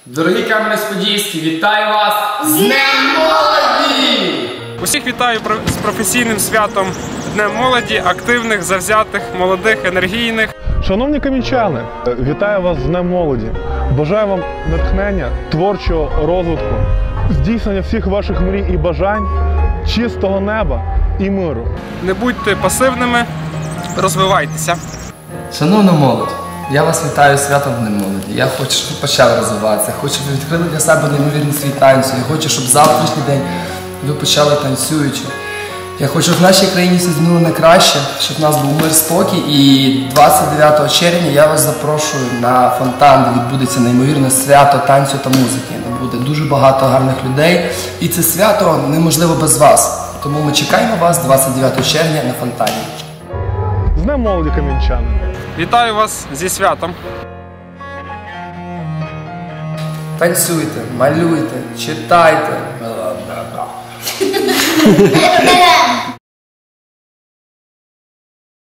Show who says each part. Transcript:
Speaker 1: Дорогі Кам'янець-Подільський, вітаю вас з Днем Молоді!
Speaker 2: Усіх вітаю з професійним святом Днем Молоді, активних, завзятих, молодих, енергійних.
Speaker 3: Шановні кам'янчани, вітаю вас з Днем Молоді. Бажаю вам натхнення, творчого розвитку, здійснення всіх ваших мрій і бажань, чистого неба і миру.
Speaker 2: Не будьте пасивними, розвивайтеся.
Speaker 4: Шановна молодь, я вас вітаю з святом Днем Молоді. Я хочу, щоб ви почали розвиватися, хочу, щоб ви відкрили для себе неймовірний світ танцю. Я хочу, щоб завтрашній день ви почали танцюючи. Я хочу, щоб в нашій країні все змінило на краще, щоб в нас був мир, спокій. І 29 червня я вас запрошую на фонтан, де відбудеться неймовірне свято танцю та музики. Там буде дуже багато гарних людей. І це свято неможливо без вас. Тому ми чекаємо вас 29 червня на фонтані.
Speaker 3: З Днем Молоді, кам'янчани!
Speaker 2: Вітаю вас зі святом.
Speaker 4: Танцюйте, малюйте, читайте.